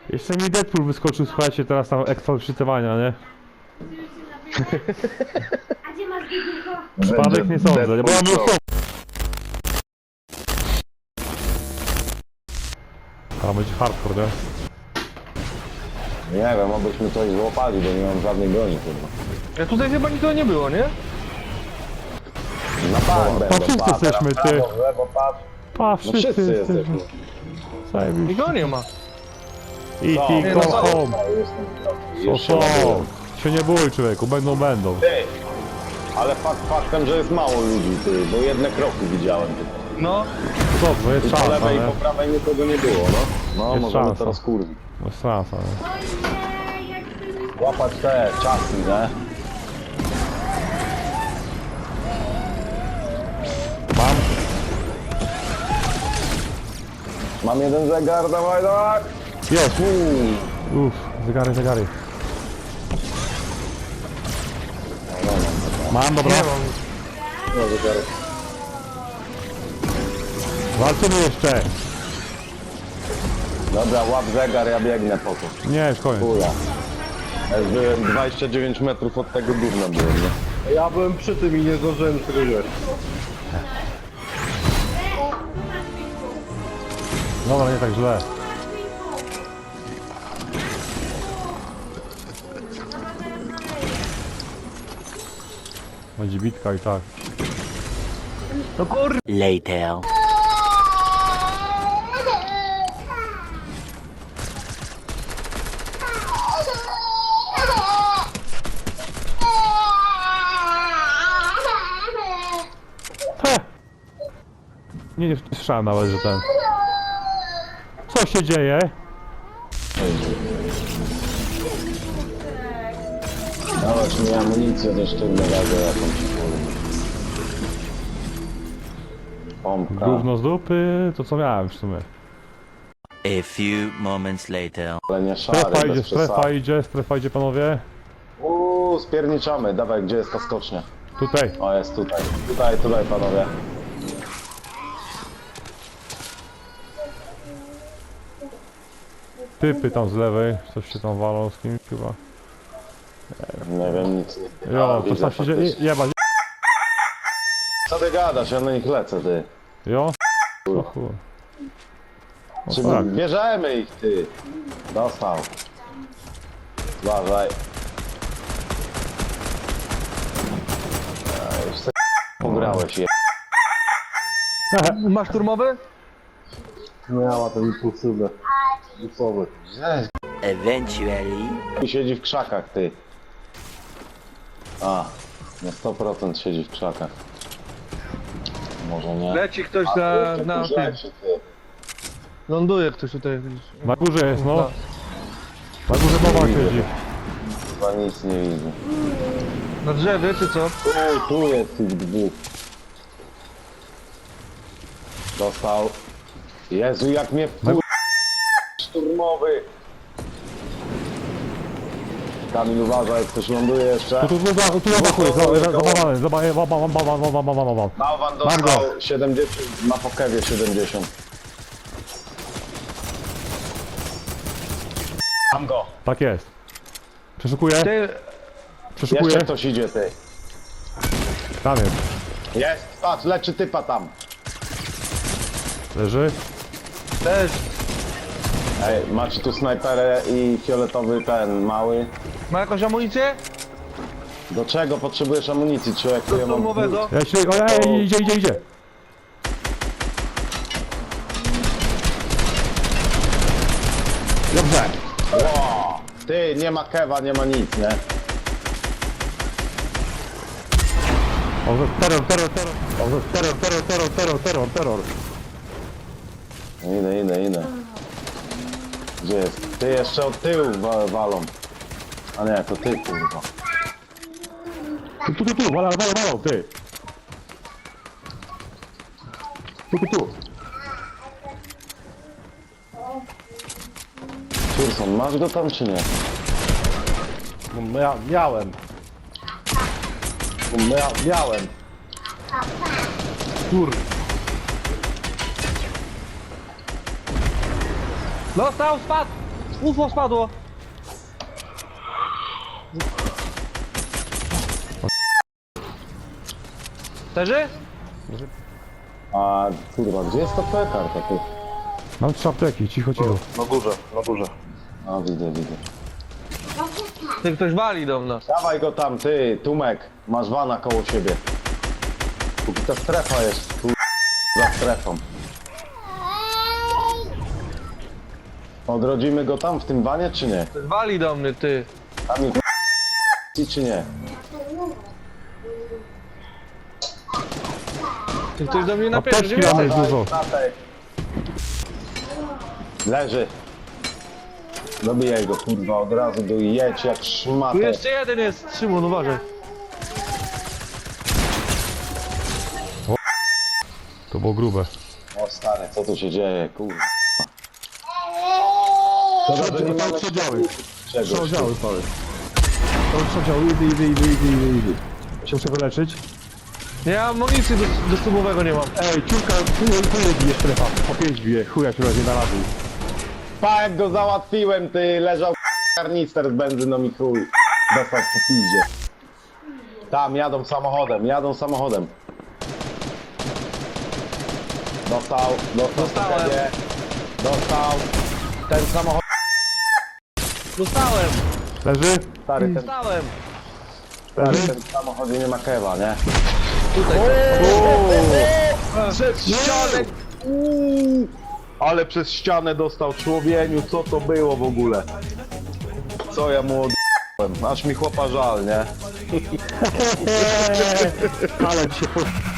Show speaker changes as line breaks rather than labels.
Jeszcze mi Deadpool wyskoczył, słuchajcie, teraz tam ekstra przytywania, nie?
A gdzie masz biegniego?
Przypadek nie sądzę, nie? Bo ja był są. A będzie hardcore, nie?
Nie wiem, obyśmy coś złapali, bo nie mam żadnej broni, kurwa.
Ja tutaj chyba nikogo nie było, nie?
Na bank będą,
wszyscy
patrz,
jesteśmy,
na prawo,
ty.
w lewo, patrz.
Pa,
No
wszyscy
wszyscy
jesteśmy.
jesteśmy.
Zajebiście.
Nikogo nie ma.
E.T.
Nie,
go
no co?
home. So,
Jeszcze
so.
ładują.
Się nie bój, człowieku, będą.
Ty, ale faktem, że jest mało ludzi, ty, bo jedne kroki widziałem tutaj.
No.
Dobrze, jest
I po
szansa,
lewej i
nie?
po prawej nikogo nie było, no. No,
Jest
możemy
szansa.
teraz kurwić.
Jest szansa, nie?
Ojej, jak ty...
Łapać te czasy, nie?
Mam?
Mam jeden zegar, dawaj, dawaj!
Jest! Uff, zegary. Mam, dobra.
Nie mam.
No, zegary.
Walczymy jeszcze!
Dobra, łap zegar, ja biegnę po to.
Nie, już koniec.
Kula. Ja już byłem 29 metrów od tego gówna byłem, nie?
Ja byłem przy tym i nie zdążyłem tego wziąć.
Dobra, nie tak źle. Będzie bitka i tak.
No kur...
Later.
He! Nie słyszałem nawet, że ten... Co się dzieje?
Dawać mi amunicję do sztywnego jakąś kurwa. Pompka.
Gówno z dupy, to co miałem w sumie.
A few moments later.
Ale nie szary,
Strefa idzie panowie.
Spierniczamy. Dawaj, gdzie jest ta skocznia?
Tutaj.
O, jest tutaj. Tutaj, panowie.
Typy tam z lewej, coś się tam walą z kimś chyba.
Nie wiem, nic nie.
Jo,
widzę
to tam się dzieje,
faktycznie.
jebać.
Co ty gadasz? Ja na nich lecę, ty.
Jo? O chuj.
Czy
O tak.
bierzemy ich, ty. Dostał. Uważaj. Już se pograłeś je.
Masz turmowy?
Miała ten impulsywne. Dupowy.
Eventually.
I siedzi w krzakach, ty. A, na 100% siedzi w krzakach. Może nie.
Leci ktoś na tym.
Rzeczy, ty.
Ląduje ktoś tutaj.
Na górze jest, no. Na górze mowa siedzi.
Chyba nic nie widzę.
Na drzewie czy co?
Tu jest tych dwóch. Dostał. Jezu, jak mnie wkur... Szturmowy. Kamil, uważaj, jak ktoś ląduje jeszcze.
Tu na dachu jest, zabawany,
Bałwan
Mam go.
dostał 70, na pokewie 70. Mam go.
Tak jest. Przeszukuję,
Ty...
przeszukuję.
Jeszcze ktoś idzie, ty.
Tam jest.
Jest, patrz, leczy typa tam.
Leży.
Też.
Ej, macie tu snajperę i fioletowy ten, mały.
Ma jakąś amunicję?
Do czego potrzebujesz amunicji, człowieku?
Do
Ja mam...
turmowego?
Ja się, ojej, idzie. Dobrze.
Wow. Ty, nie ma kewa, nie ma nic, nie?
O, terror.
Idę. Gdzie jest? Ty, jeszcze od tyłu walą. A nie, to ty, kurwa.
Tu, walą, ty. Tu.
Curson, masz go tam, czy nie?
Miałem. Miałem.
Dostał, spadł! UFO spadło! Leży?
A kurwa, gdzie jest ta petarda ty?
Mam 3 apteki, cicho, cicho.
Na górze, na górze.
A widzę, widzę.
Ty ktoś wali do nas.
Dawaj go tam, ty, Tumek. Masz wana koło siebie. Póki ta strefa jest, tu za strefą. Odrodzimy go tam w tym wanie, czy nie?
Ktoś wali do mnie, ty.
Tam ich czy nie?
Ty ktoś do mnie napierze,
Apteczki mamy dużo.
Leży. Dobijaj go, kurwa, od razu do jedź jak
Tu
szmatę.
jeszcze jeden jest, Szymon, uważaj.
To było grube.
O stary, co tu się dzieje, kurwa. Szkoda, że nie mamy
Przedziały.
czegoś.
Przedziały, pały. To przedziały, idy. Się muszę wyleczyć.
Ja amunicji do subowego nie mam.
Ej, ciurka, tu bije strefa. Po 5 bije, chuja się razie na razu.
Pa, jak go załatwiłem, ty, leżał karnister z benzyną i chuj. Dostał po piździe. Tam, jadą samochodem.
Dostałem.
ciebie. Dostał. Ten samochód,
Dostałem,
Leży?
stary,
dostałem.
ten w samochodzie nie ma kewa, nie?
Tutaj.
Przez ścianę! Uuu. Ale przez ścianę dostał człowieniu, co to było w ogóle? Co ja mu odjąłem? Aż mi chłopa żal, nie?
Ale dzisiaj